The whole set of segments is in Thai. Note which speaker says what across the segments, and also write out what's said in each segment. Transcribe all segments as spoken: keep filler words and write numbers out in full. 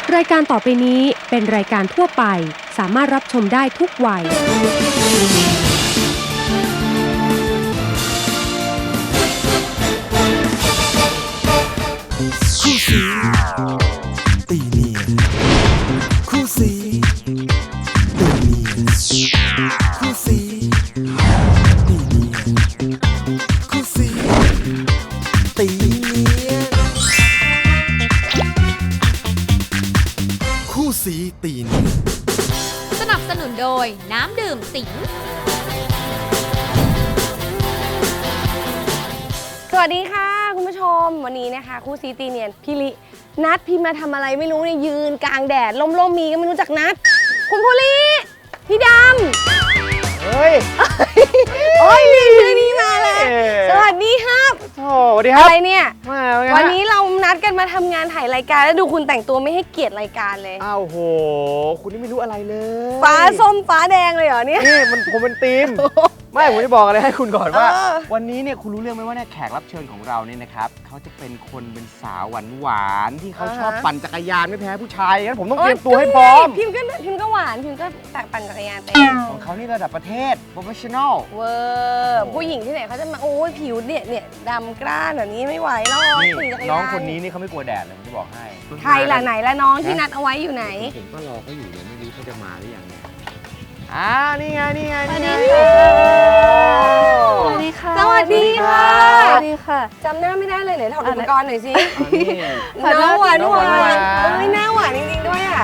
Speaker 1: รายการต่อไปนี้เป็นรายการทั่วไปสามารถรับชมได้ทุกวัย
Speaker 2: คู่สีตีเนียนคู่สีตีเนียนคู่สีตีเนียนคู่สีตีเนียนคู่สีตีเนียน
Speaker 3: สนับสนุนโดยน้ำดื่มสิง
Speaker 4: สวัสดีค่ะคุณผู้ชมวันนี้นะคะคู่ซีตีเนียนพี่ลินัดพี่มาทำอะไรไม่รู้เนี่ยยืนกลางแดดล่มๆมีก็ไม่รู้จักนัดคุณภูริพี่ดำ
Speaker 5: เฮ้ย
Speaker 4: โอ้ยนี่ชื่อนี้มาเลยสวัสดีครับ
Speaker 5: โอ้สวัสดีครับ
Speaker 4: อะไรเนี่ย
Speaker 5: มาเป็นไง
Speaker 4: วันนี้เรานัดกันมาทำงานถ่ายรายการแล้วดูคุณแต่งตัวไม่ให้เกียรติรายการเลย
Speaker 5: อ้าวโหคุณนี่ไม่รู้อะไรเลย
Speaker 4: ฟ้าส้มฟ้าแดงเลยเหรอเนี่ย
Speaker 5: นี่มันผมเป็นทีมไม่ผมจะบอกอะไรให้คุณก่อนว่า
Speaker 4: เออ
Speaker 5: วันนี้เนี่ยคุณรู้เรื่องไหมว่าเนี่ยแขกรับเชิญของเราเนี่ยนะครับเขาจะเป็นคนเป็นสาวหวานหวานๆที่เขาชอบปั่นจักรยานไม่แพ้ผู้ชายงั้นผมต้องเตรียมตัวให้พร้อม
Speaker 4: พิมพ์ก็พิมพ์ก็หวานพิมพ์ก็แต่ปั่นจักรยานเป็น
Speaker 5: ของเขานี่ระดับประเทศ professional
Speaker 4: เวอร์ผู้หญิงที่ไหนเขาจะมาโอ้ยผิวเนี่ยเนี่ยดำกร้านแบบนี้ไม่ไหวหรอก
Speaker 5: นี่
Speaker 4: ขี่จักรยา
Speaker 5: น้องคนนี้นี่เขาไม่กลัวแดดเลยผมจะบอกให้
Speaker 4: ใครล่ะไหนละน้องที่นัดเอาไว้อยู่ไหน
Speaker 5: ผมก็รอเขาอยู่เนี่ยไม่รู้เขาจะมาหรือยังเนี่ยอ่านี่ไงนี่ไงนี่ไง
Speaker 4: สวัสดีค่ะ สวัสดีค่ะ
Speaker 6: สวัสดีค่ะ
Speaker 4: จำหน้าไม่ได้เลยไหนถอดอุปกรณ์หน่อยสิ
Speaker 5: อ๋อนี่
Speaker 4: น้องหวาน
Speaker 5: น้อง
Speaker 4: ห
Speaker 5: หวาน
Speaker 4: วาน
Speaker 5: หวาน
Speaker 4: เอ้ยหน้าหวานจริงๆด้วยอ่ะ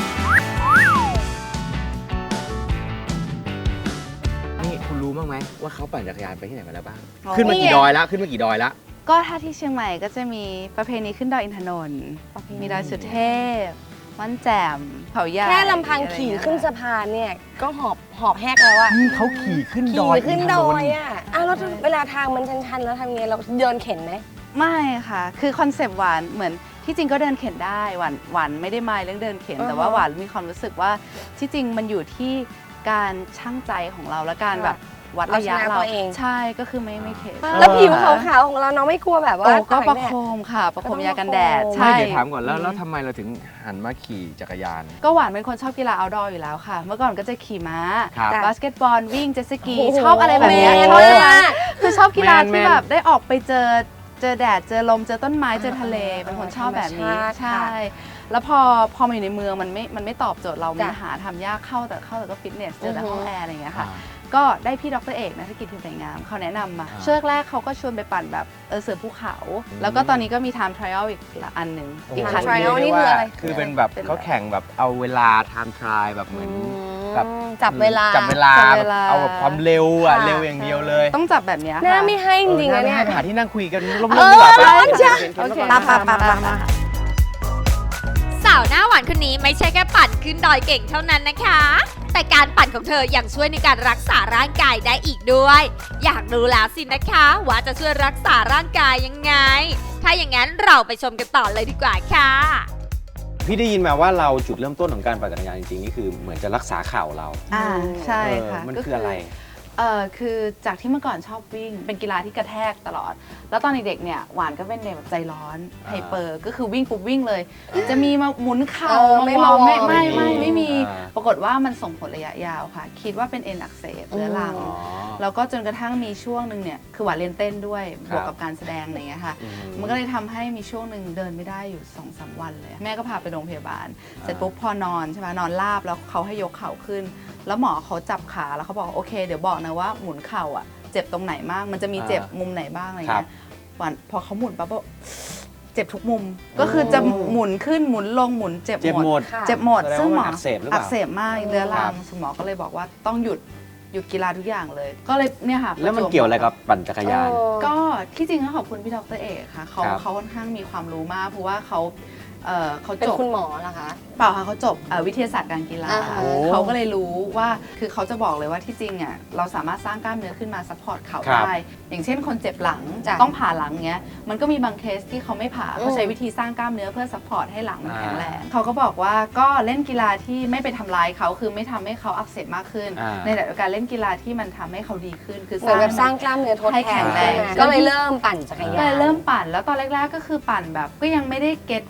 Speaker 5: นี่คุณรู้บ้างไหมว่าเขาปั่นจักรยานไปที่ไหนมาแล้วบ้าง
Speaker 6: อ๋อ
Speaker 5: ขึ้นมากี่ดอยแล้วขึ้นมากี่ดอยแล้ว
Speaker 6: ก็ถ้าที่เชียงใหม่ก็จะมีประเพณีขึ้นดอยอินทนนท์มีดอยสุเทพม่อนแจ่มเขาใหญ่
Speaker 4: แค่ลำพังขี่ขึ้นสะพานเนี่ยก็หอบหอบแหกแล้วอะ
Speaker 5: นี่เขาขี่ขึ้นด
Speaker 4: ขี่
Speaker 5: อย
Speaker 4: ขึ้นดอย
Speaker 5: นทนนท์
Speaker 4: อ่ะอ้าวแล้วเวลาทางมันชันๆแล้วทำไงเราเดินเข็นไหม
Speaker 6: ไม่ค่ะ คือคอนเซปต์หวานเหมือนที่จริงก็เดินเข็นได้หวานหวานไม่ได้มายเรื่องเดินเข็น
Speaker 4: อ่าฮะ
Speaker 6: แต่ว่าหวานมีความรู้สึกว่าที่จริงมันอยู่ที่การชั่งใจของเราและการแบบวัดระยะ
Speaker 4: เอาชนะ
Speaker 6: เรา
Speaker 4: ตัวเอง
Speaker 6: ใช่ก็คือไม่ไม่เข็น
Speaker 4: แล้วผิวขาวๆของเราน้องไม่กลัวแบบว่า
Speaker 6: โอ้ก็ประ
Speaker 4: แด
Speaker 6: โค
Speaker 4: ด
Speaker 6: มค่ะ ประโคมยากันแดด
Speaker 4: ประโคม
Speaker 6: ใช่
Speaker 5: ไม่เดี๋ยวถามก่อนแล้วแล้วทำไมเราถึงหันมาขี่จักรยาน
Speaker 6: ก็หวานเป็นคนชอบกีฬา outdoor อยู่แล้วค่ะ เมื่อก่อนก็จะขี่ม้า
Speaker 5: ครับ
Speaker 6: บาสเกตบอลวิ่งเจ็ตสกี
Speaker 4: โอ้โห
Speaker 6: ชอบอะไรแบบเนี้ย
Speaker 4: แมน
Speaker 6: ชอบ
Speaker 4: มาก
Speaker 6: คือชอบกีฬา
Speaker 5: แมน
Speaker 6: ที่
Speaker 5: แมน
Speaker 6: แบบได้ออกไปเจอเจอแดดเจอลมเจอต้นไม้เจอทะเล เป็นคนชอบแบบนี้
Speaker 4: ธรรมชาติ
Speaker 6: ใช่
Speaker 4: ค่ะ
Speaker 6: แล้วพอพอมาอยู่ในเมืองมันไม่มันไม่ตอบโจทย์เรา มัน
Speaker 4: จ้ะ
Speaker 6: หาทำยากเข้าแต่เข้าแต่ก็ฟิตเนสเจอแต่
Speaker 4: อือฮึ
Speaker 6: ห้องแอร์อะไรอย่างเงี้ยค่ะ
Speaker 5: อ่า
Speaker 6: ก็ได้พี่ดรเอกนะธุรกิจพิมพ์สวยงามเขาแนะนำมา
Speaker 5: อ่า
Speaker 6: ช่วงแรกเขาก็ชวนไปปั่นแบบเออเสือภูเขา แล้วก็ตอนนี้ก็มี time trial อีกอันหนึ่งอีก
Speaker 4: Time
Speaker 6: คันห
Speaker 4: trial
Speaker 6: นึ่ง
Speaker 4: นี่คืออะไร
Speaker 5: คือเป็นแบบ
Speaker 6: เป็นแบบ
Speaker 5: เขาแข่งแบบเอาเวลา time trial แบบเหมือน แบบ
Speaker 4: จับเวลา
Speaker 5: จับเวลา
Speaker 6: จับ
Speaker 5: แบ
Speaker 6: เว
Speaker 5: บ
Speaker 6: ลา
Speaker 5: เอาแบบความเร็วอ่ะ
Speaker 4: ค่ะ
Speaker 5: เร็วอย่างเดียวเลย
Speaker 6: ต้องจับแบบเนี้ย
Speaker 4: หน้า
Speaker 6: ค่ะ
Speaker 4: ไม่ให้จริงๆนะเนี่ย
Speaker 5: ออหาที่นั่งคุยกันร่ม
Speaker 4: เอ
Speaker 5: ๆ
Speaker 4: อ
Speaker 5: ดีกว่า
Speaker 4: ร้อนจ้ะ
Speaker 6: โอเค
Speaker 4: ปะปะปะปะปะ
Speaker 3: สาวหน้าหวานคนนี้ไม่ใช่แค่ปั่นขึ้นดอยเก่งเท่านั้นนะคะ แต่การปั่นของเธอยังช่วยในการรักษาร่างกายได้อีกด้วย อยากรู้แล้วสินะคะว่าจะช่วยรักษาร่างกายยังไง ถ้าอย่างนั้นเราไปชมกันต่อเลยดีกว่าค่ะ
Speaker 7: พี่ได้ยินมาว่าเราจุดเริ่มต้นของการปั่นจักรยานจริงๆนี่คือเหมือนจะรักษาเข่าเรา
Speaker 6: อ่าใช่
Speaker 7: เออ
Speaker 6: ค่ะ
Speaker 7: มัน
Speaker 6: ก็
Speaker 7: คืออะไร
Speaker 6: เออคือจากที่เมื่อก่อนชอบวิ่ง เป็นกีฬาที่กระแทกตลอด แล้วตอนเด็กๆเนี่ยหวานก็เป็นเด็กแบบใจร้อนไฮเปอร์ก็คือวิ่งปุ๊บวิ่งเลย จะมีมาหมุนเข่า
Speaker 4: เออไม่
Speaker 6: วอร์ม
Speaker 4: มาวอร์ม
Speaker 6: ไม่ไม่ไม่ไม่มี
Speaker 7: อ่า
Speaker 6: ปรากฏว่ามันส่งผลระยะยาวค่ะ คิดว่าเป็นเอ็นอักเสบเรื้อรัง
Speaker 7: อ๋อ
Speaker 6: แล้วก็จนกระทั่งมีช่วงหนึ่งเนี่ยคือหวานเรียนเต้นด้วย
Speaker 7: ครับ
Speaker 6: บวกกับการแสดงอะไรอย่างเงี้ยค่ะ
Speaker 7: อืม
Speaker 6: มันก็เลยทำให้มีช่วงหนึ่งเดินไม่ได้อยู่สองสามวันเลย แม่ก็พาไปโรงพยาบาล เสร็จปุ๊บพอนอนใช่ไหมนอนราบแล้วเขาให้ยกเข่าขึ้น แล้วหมอเขาจับขาแล้วเขาบอกโอเค เดี๋ยวบอกนะว่าหมุนเข่าอ่ะเจ็บตรงไหนบ้างมันจะมีเจ็บมุมไหนบ้างอะไร
Speaker 7: ครั
Speaker 6: เงี้
Speaker 7: บ
Speaker 6: ยหวานพอเขาหมุนปั๊บก็เจ็บทุกมุม ก็คือจะหมุนขึ้นหมุนลงหมุนเจ็บ
Speaker 7: เจ็บ
Speaker 6: หมด
Speaker 7: หมด
Speaker 4: ค่ะ
Speaker 6: เจ็บหมด
Speaker 7: แสดง
Speaker 6: ซึ่งหมอ
Speaker 7: ว่ามันอักเสบหรือเปล่า
Speaker 6: อักเสบมากเรื้อรังสมอก็เลยบอกว่าต้องหยุดหยุดกีฬาทุกอย่างเลย ก็เลยเนี่ยค่ะ
Speaker 7: แล้วมัน
Speaker 6: ปจบ
Speaker 7: เกี่ยวอะไรกับปั่นจักรยาน
Speaker 6: ก็ที่จริงต้องขอบคุณพี่ดรเอกค่ะเขา
Speaker 7: ครับ
Speaker 6: เขาค่อนข้างมีความรู้มากเพราะว่าเขาเอ่อเขา
Speaker 4: เป็น
Speaker 6: จบ
Speaker 4: คุณหมอเหรอคะ
Speaker 6: เปล่าค่ะเขาจบเอ่อวิทยาศาสตร์การกีฬา
Speaker 4: อ่าฮะ
Speaker 6: เขาก็เลยรู้ว่าคือเขาจะบอกเลยว่าที่จริงอ่ะเราสามารถสร้างกล้ามเนื้อขึ้นมาซัพพอร์ตเข่า
Speaker 7: ครับ
Speaker 6: ได้อย่างเช่นคนเจ็บหลัง
Speaker 4: จ้ะ
Speaker 6: ต้องผ่าหลังเงี้ยมันก็มีบางเคสที่เขาไม่ผ่า
Speaker 4: อืม
Speaker 6: เขาใช้วิธีสร้างกล้ามเนื้อเพื่อซัพพอร์ตให้หลังมันแข็งแรงเขาก็บอกว่าก็เล่นกีฬาที่ไม่ไปทำร้ายเขาคือไม่ทำให้เขาอักเสบมากขึ้น
Speaker 7: อ่า
Speaker 6: ในขณะเดียวกันเล่นกีฬาที่มันทำให้เขาดีขึ้นคือ
Speaker 4: เหมือนแบบสร้าง
Speaker 6: ให้
Speaker 4: กล้ามเนื้อทด
Speaker 6: ให้
Speaker 4: แท
Speaker 6: แข็
Speaker 4: น
Speaker 6: งแรง
Speaker 4: ก็เลยเริ่มปั่นจักร
Speaker 6: ก็
Speaker 4: ยา
Speaker 6: เล
Speaker 4: น
Speaker 6: ยเริ่มปั่นแล้วตอนแรกๆก็คือปั่นแบบก็ยังไม่ได้เก็ตว่าแบบเอ้ย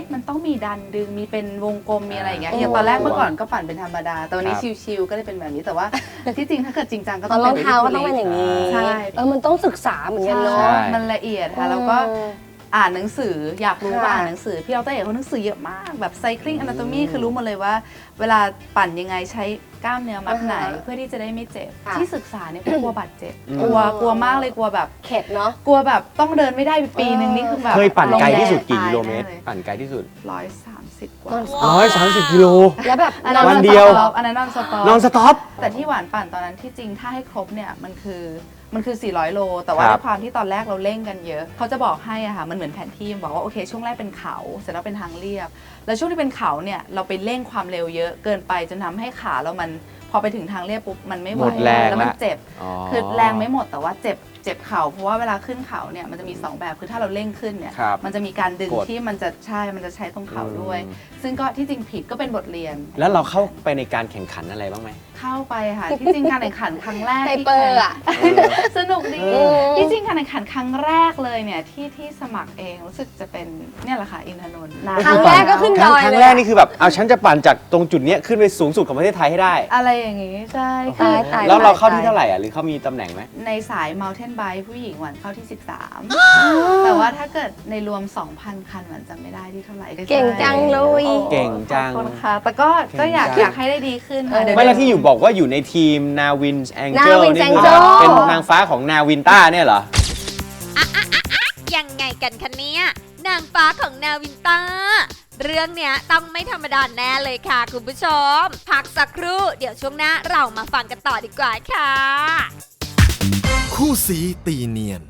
Speaker 6: มันต้องมีดันดึงมีเป็นวงกลมมีอะไรอย่างเงี้ย
Speaker 4: โอ้
Speaker 6: อย่างตอนแรกเมื่อก่อนก็ปั่นเป็นธรรมดาแต่วันนี้
Speaker 5: ครับ
Speaker 6: ชิลๆก็เลยเป็นแบบนี้แต่ว่า ที่จริงถ้าเกิดจริงจังก็
Speaker 4: ต
Speaker 6: ต้
Speaker 4: อ
Speaker 6: อน ง
Speaker 4: รองเท้าก็ต้องเป็นอย่างนี้
Speaker 6: ใช่
Speaker 4: เออมันต้องศึกษาเหมือนกันเนาะ
Speaker 6: ใช่มันละเอียดค่ะแล้วก็
Speaker 4: เออ
Speaker 6: อ่านหนังสืออยากรู้
Speaker 4: ค่ะ
Speaker 6: ว่าอ่านหนังสือพี่ดรเอกเขาหนังสือเยอะมากแบบ cycling anatomy คือรู้หมดเลยว่า เวลาปั่นยังไงใช้กล้ามเนื้อมัดไหน
Speaker 4: อ่าฮะ
Speaker 6: เพื่อที่จะได้ไม่เจ็บ
Speaker 4: ค่ะ
Speaker 6: ที่ศึกษาเนี่ยเพราะกลัวบาดเจ็บ
Speaker 5: อืม
Speaker 6: กลัวกลัวมากเลยกลัวแบบ
Speaker 4: เข็ดเนาะ
Speaker 6: กลัวแบบต้องเดินไม่ได้ปีหนึ่งนี่คือแบบ
Speaker 7: เคยปั่นไกลที่สุดกี่
Speaker 6: ตาย
Speaker 7: กิโลเมตร
Speaker 6: แน่ย
Speaker 7: ปั่นไกลที่สุด
Speaker 6: ร้อยสามสิบกว่า
Speaker 7: ร้อยสามสิบกิโล
Speaker 4: แล้วแบบ
Speaker 6: อันนั้น
Speaker 7: วันเดียว
Speaker 6: นอนสต็อปอันนั้นนอนสต็อป
Speaker 7: นอนสต็อป
Speaker 6: แต่ที่หวานปั่นตอนนั้นที่จริงถ้าให้ครบเนี่ยมันคือมันคือ สี่ร้อยโล แต่ว่า
Speaker 7: ครับ
Speaker 6: ด้วยความที่ตอนแรกเราเร่งกันเยอะ เขาจะบอกให้อะค่ะมันเหมือนแผนที่บอกว่าโอเคช่วงแรกเป็นเขาเสร็จแล้วเป็นทางเรียบ แล้วช่วงที่เป็นเขาเนี่ยเราไปเร่งความเร็วเยอะเกินไปจนทำให้ขาเรามันพอไปถึงทางเรียบปุ๊บมันไม่ไหว
Speaker 7: หมดแรง
Speaker 6: แล้วมัน
Speaker 7: ละ
Speaker 6: เจ็บ
Speaker 7: อ๋อ
Speaker 6: คือแรงไม่หมดแต่ว่าเจ็บเจ็บเข่าเพราะว่าเวลาขึ้นเขาเนี่ยมันจะมีสองแบบคือถ้าเราเร่งขึ้นเนี่ย
Speaker 5: ครับ
Speaker 6: มันจะมีการดึง
Speaker 7: กด
Speaker 6: ที่มันจะใช่มันจะใช้ตรงเข่าด้วย
Speaker 7: อืม
Speaker 6: ซึ่งก็ที่จริงผิดก็เป็นบทเรียน
Speaker 7: แล้วเราเข้าไปในการแข่งขันอะไรบ้างไหม
Speaker 6: เข้าไปค่ะ ที่จริงการแข่งขันครั้งแรก
Speaker 4: ไฮ
Speaker 6: ที่
Speaker 4: เปอร์อะ
Speaker 6: สนุกดี
Speaker 4: เออ
Speaker 6: ที่จริงการแข่งขันครั้งแรกเลยเนี่ยที่ที่สมัครเองรู้สึกจะเป็นเนี่ยแหละค่ะอินทนนท์นาน
Speaker 4: ครั้งแรกก็ขึ้น
Speaker 7: ครั้ง
Speaker 4: ดอย
Speaker 7: ครั้ง
Speaker 4: เลย
Speaker 7: แรก
Speaker 4: อะ
Speaker 7: นี่คือแบบเอาฉันจะปั่นจากตรงจุดเนี้ยขึ้นไปสูงสุดของประเทศไทยให้ได้
Speaker 6: อะไรอย่างงี้ใช่
Speaker 4: ตายตาย
Speaker 7: แล้วเราเข้า
Speaker 6: ตย
Speaker 7: ที่เท่าไหร่อ่ะหรือเขามีตำแหน่งไหม
Speaker 6: ในสาย mountain bike ผู้หญิงหวันเข้าที่ สิบสาม แต่ว่าถ้าเกิดในรวม สองพัน คันหวันจำไม่ได้ที่เท่าไหร่
Speaker 4: เก่งจังเลย
Speaker 6: โอ้
Speaker 7: เก่งจัง
Speaker 6: ขอบคุณค่ะแต่ก็ก็อยาก
Speaker 7: เก่งจัง
Speaker 6: อยากให้ได้ดีขึ้นค่ะเดี๋ยว
Speaker 7: ไม่แล้วที่อยู่บอกว่าอยู่ในทีมนาวินแองเจล
Speaker 4: Nawin's
Speaker 7: นี่คือ
Speaker 4: Angel
Speaker 7: เป็นนางฟ้าของนาวินต้าเนี่ยเหรอ
Speaker 3: ยังไงกันคะเนี่ยนางฟ้าของนาวินต้า เรื่องเนี้ยต้องไม่ธรรมดาแน่เลยค่ะคุณผู้ชม พักสักครู่เดี๋ยวช่วงหน้าเรามาฟังกันต่อดีกว่าค่ะ
Speaker 2: คู่สีตีเนียน